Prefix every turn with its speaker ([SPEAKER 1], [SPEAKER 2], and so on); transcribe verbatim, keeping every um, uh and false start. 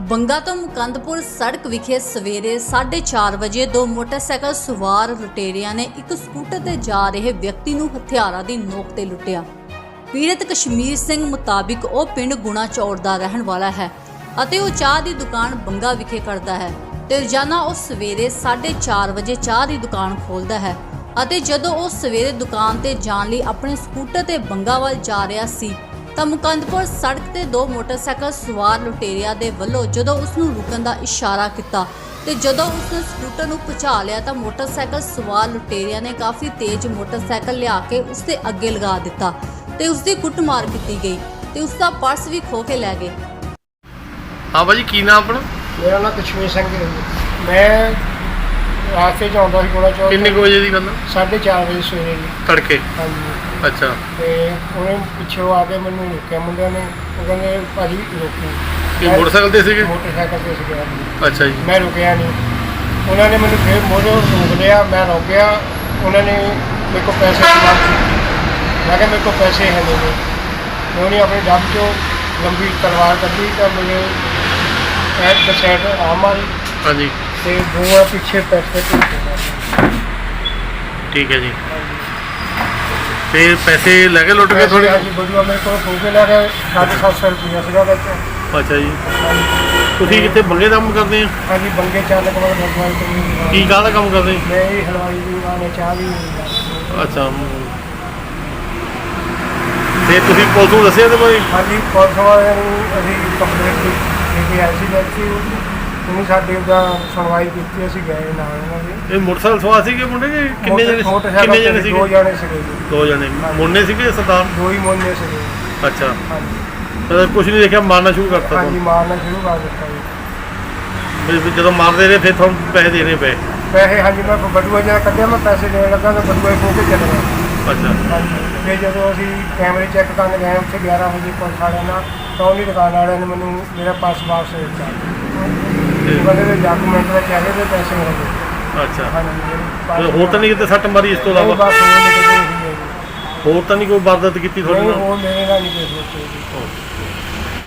[SPEAKER 1] ਬੰਗਾ ਤੋਂ ਮੁਕੰਦਪੁਰ ਸੜਕ ਵਿਖੇ ਸਵੇਰੇ ਸਾਢੇ ਚਾਰ ਵਜੇ ਦੋ ਮੋਟਰਸਾਈਕਲ ਸਵਾਰ ਲੁਟੇਰਿਆਂ ਨੇ ਇੱਕ ਸਕੂਟਰ ਤੇ ਜਾ ਰਹੇ ਵਿਅਕਤੀ ਨੂੰ ਹਥਿਆਰਾਂ ਦੀ ਨੋਕ ਤੇ ਲੁੱਟਿਆ। ਪੀੜਤ ਕਸ਼ਮੀਰ ਸਿੰਘ ਮੁਤਾਬਿਕ ਉਹ ਪਿੰਡ ਗੁਣਾ ਚੌੜ ਦਾ ਰਹਿਣ ਵਾਲਾ ਹੈ ਅਤੇ ਉਹ ਚਾਹ ਦੀ ਦੁਕਾਨ ਬੰਗਾ ਵਿਖੇ ਕਰਦਾ ਹੈ ਤੇ ਰੋਜ਼ਾਨਾ ਉਹ ਸਵੇਰੇ ਸਾਢੇ ਚਾਰ ਵਜੇ ਚਾਹ ਦੀ ਦੁਕਾਨ ਖੋਲ੍ਹਦਾ ਹੈ ਅਤੇ ਜਦੋਂ ਉਹ ਸਵੇਰੇ ਦੁਕਾਨ ਤੇ ਜਾਣ ਲਈ ਆਪਣੇ ਸਕੂਟਰ ਤੇ ਬੰਗਾ ਵੱਲ ਜਾ ਰਿਹਾ ਸੀ ਤਾਂ ਮੁਕੰਦਪੁਰ ਸੜਕ ਤੇ ਦੋ ਮੋਟਰਸਾਈਕਲ ਸਵਾਰ ਲੁਟੇਰਿਆਂ ਦੇ ਵੱਲੋਂ ਜਦੋਂ ਉਸ ਨੂੰ ਰੁਕਣ ਦਾ ਇਸ਼ਾਰਾ ਕੀਤਾ ਤੇ ਜਦੋਂ ਉਸ ਨੇ ਸਕੂਟਰ ਨੂੰ ਭਜਾ ਲਿਆ ਤਾਂ ਮੋਟਰਸਾਈਕਲ ਸਵਾਰ ਲੁਟੇਰਿਆਂ ਨੇ ਕਾਫੀ ਤੇਜ਼ ਮੋਟਰਸਾਈਕਲ ਲਿਆ ਕੇ ਉਸ ਦੇ ਅੱਗੇ ਲਗਾ ਦਿੱਤਾ ਤੇ ਉਸ ਦੀ ਕੁੱਟਮਾਰ ਕੀਤੀ ਗਈ ਤੇ ਉਸ ਦਾ ਪਰਸ ਵੀ ਖੋਹ ਕੇ ਲੈ ਗਏ।
[SPEAKER 2] हाँ भाजी की नाम अपना?
[SPEAKER 3] मेरा नाम कश्मीर सिंह है। मैं रास्ते च आਉਂਦਾ ਸੀ ਗੁਣਾ ਚੌਕ।
[SPEAKER 2] किन्ने को बजे की गल?
[SPEAKER 3] साढ़े चार बजे सवेरे जी।
[SPEAKER 2] तड़के?
[SPEAKER 3] हाँ जी।
[SPEAKER 2] अच्छा।
[SPEAKER 3] ਤੇ ਉਹਨੇ ਪਿੱਛੋਂ ਆ ਕੇ ਮੈਨੂੰ ਰੋਕਿਆ ਮੁੰਡਿਆਂ ਨੇ। ਉਹ ਕਹਿੰਦੇ ਭਾਜੀ ਰੋਕੋ।
[SPEAKER 2] ਇਹ ਮੋਟਰਸਾਈਕਲ ਤੇ ਸੀਗੇ?
[SPEAKER 3] ਮੋਟਰਸਾਈਕਲ ਤੇ ਸੀਗੇ।
[SPEAKER 2] ਅੱਛਾ ਜੀ।
[SPEAKER 3] ਮੈਂ ਰੁਕਿਆ ਨਹੀਂ। ਉਹਨਾਂ ਨੇ ਮੈਨੂੰ ਫਿਰ ਮੋੜੋ ਰੋਕ ਲਿਆ। ਮੈਂ ਰੁਕ ਗਿਆ। ਉਹਨਾਂ ਨੇ ਮੇਰੇ ਕੋਲ ਪੈਸੇ ਦੀ ਮੰਗ ਕੀਤੀ। ਮੈਂ ਕਿਹਾ ਮੇਰੇ ਕੋਲ ਪੈਸੇ ਹੈ ਨਹੀਂ। ਉਹਨੇ ਆਪਣੇ ਡੱਬ ਚੋਂ ਲੰਬੀ ਤਲਵਾਰ ਕੱਢੀ ਤਾਂ ਮੇਰੇ ਐਟ ਦ ਸਾਈਡ ਆ ਮਾਰੀ।
[SPEAKER 2] हाँ जी।
[SPEAKER 3] ਤੇ ਦੋ ਆ ਪਿੱਛੇ ਪੈਸੇ
[SPEAKER 2] ठीक है जी। फिर पैसे लगे लुट गए थोड़े?
[SPEAKER 3] ਹਾਂਜੀ ਬੜੂਆ ਮੇਰੇ ਕੋਲ ਖੋ ਕੇ ਲੈ ਗਏ ਸਾਢੇ ਸੱਤ ਸੌ ਰੁਪਇਆ ਸੀਗਾ ਵਿੱਚ।
[SPEAKER 2] ਅੱਛਾ ਜੀ। ਤੁਸੀਂ ਕਿੱਥੇ ਬੰਗੇ ਦਾ ਕੰਮ ਕਰਦੇ ਆ?
[SPEAKER 3] ਹਾਂਜੀ ਬੰਗੇ ਚਾਲਕ ਵਾਲਾ ਦਰਬਾਰ ਤੋਂ।
[SPEAKER 2] ਕੀ ਕਾਹਦਾ ਕੰਮ ਕਰਦੇ?
[SPEAKER 3] ਮੈਂ ਇਹ ਹਲਵਾਈ ਦੀ ਦੁਕਾਨ ਹੈ, ਚਾਹ ਦੀ।
[SPEAKER 2] ਅੱਛਾ। ਤੇ ਤੁਸੀਂ ਪੁਲਿਸ ਨੂੰ ਦੱਸਿਆ ਤੇ ਬਾਰੇ?
[SPEAKER 3] ਹਾਂਜੀ ਪੁਲਿਸ ਵਾਲਿਆਂ ਨੂੰ ਅਸੀਂ ਕੰਪਲੇਂਟ ਦੇ ਕੇ ਆਏ ਸੀ ਵੈਸੇ ਉਹਨੇ ਸਾਡੇ ਉਹਦਾ ਸੁਣਵਾਈ ਕੀਤੀ। ਅਸੀਂ ਗਏ ਨਾਲ ਉਹਨਾਂ ਦੇ।
[SPEAKER 2] ਇਹ ਮੋਟਰਸਾਈਕਲ ਸਵਾਰ ਸੀਗੇ ਮੁੰਡੇ ਜੀ? ਕਿੰਨੇ ਜਣੇ
[SPEAKER 3] ਮੋਟਰਸਾਈਕਲ
[SPEAKER 2] ਕਿੰਨੇ ਜਣੇ ਸੀਗੇ?
[SPEAKER 3] ਦੋ ਜਣੇ ਸੀਗੇ ਜੀ।
[SPEAKER 2] ਦੋ ਜਣੇ ਮੁੰਡੇ ਸੀਗੇ ਸਰਦਾਰ?
[SPEAKER 3] ਦੋ ਹੀ ਮੁੰਡੇ ਸੀਗੇ।
[SPEAKER 2] ਅੱਛਾ।
[SPEAKER 3] ਹਾਂਜੀ
[SPEAKER 2] ਤਾਂ ਕੁਝ ਨਹੀਂ ਦੇਖਿਆ, ਮਾਰਨਾ ਸ਼ੁਰੂ ਕਰਤਾ?
[SPEAKER 3] ਹਾਂਜੀ ਮਾਰਨਾ ਸ਼ੁਰੂ ਕਰ ਦਿੱਤਾ ਜੀ।
[SPEAKER 2] ਫਿਰ ਜਦੋਂ ਮਾਰਦੇ ਰਹੇ ਫਿਰ ਤੁਹਾਨੂੰ ਪੈਸੇ ਦੇਣੇ ਪਏ?
[SPEAKER 3] ਪੈਸੇ ਹਾਂਜੀ ਮੈਂ ਬਟੂਆ ਜਿਹੜਾ ਕੱਢਿਆ ਮੈਂ ਪੈਸੇ ਦੇਣ ਲੱਗਾ ਤਾਂ ਬਟੂਆ ਖੋ ਕੇ ਚਲੇ ਗਿਆ।
[SPEAKER 2] ਅੱਛਾ।
[SPEAKER 3] ਹਾਂਜੀ ਫਿਰ ਜਦੋਂ ਅਸੀਂ ਕੈਮਰੇ ਚੈੱਕ ਕਰਨ ਗਏ ਉੱਥੇ ਗਿਆਰਾਂ ਵਜੇ ਪੁਲਿਸ ਵਾਲਿਆਂ ਨਾਲ ਤਾਂ ਉਹਦੀ ਦੁਕਾਨ ਵਾਲਿਆਂ ਨੇ ਮੈਨੂੰ ਮੇਰਾ ਪਰਸ ਵਾਪਸ ਦੇ ਦਿੱਤਾ। ਬੰਦੇ ਦੇ ਡਾਕੂਮੈਂਟ ਵਿੱਚ ਹੈਗੇ ਤੇ ਪੈਸੇ ਮਿਲ ਗਏ।
[SPEAKER 2] ਅੱਛਾ।
[SPEAKER 3] ਹਾਂਜੀ
[SPEAKER 2] ਹੋਰ ਤਾਂ ਨਹੀਂ ਕਿਤੇ ਸੱਟ ਮਾਰੀ ਇਸ ਤੋਂ ਇਲਾਵਾ?
[SPEAKER 3] ਬਸ ਹੋਰ ਨਹੀਂ ਕਿਤੇ ਹੋਈ ਹੈ ਜੀ।
[SPEAKER 2] ਹੋਰ ਤਾਂ ਨਹੀਂ ਕੋਈ ਵਾਰਦਾਤ ਕੀਤੀ ਤੁਹਾਡੇ
[SPEAKER 3] ਨਹੀਂ
[SPEAKER 2] ਨਾਲ?
[SPEAKER 3] ਹੋਰ ਮੇਰੇ ਨਾਲ ਨਹੀਂ ਕੋਈ ਹੋਈ ਜੀ।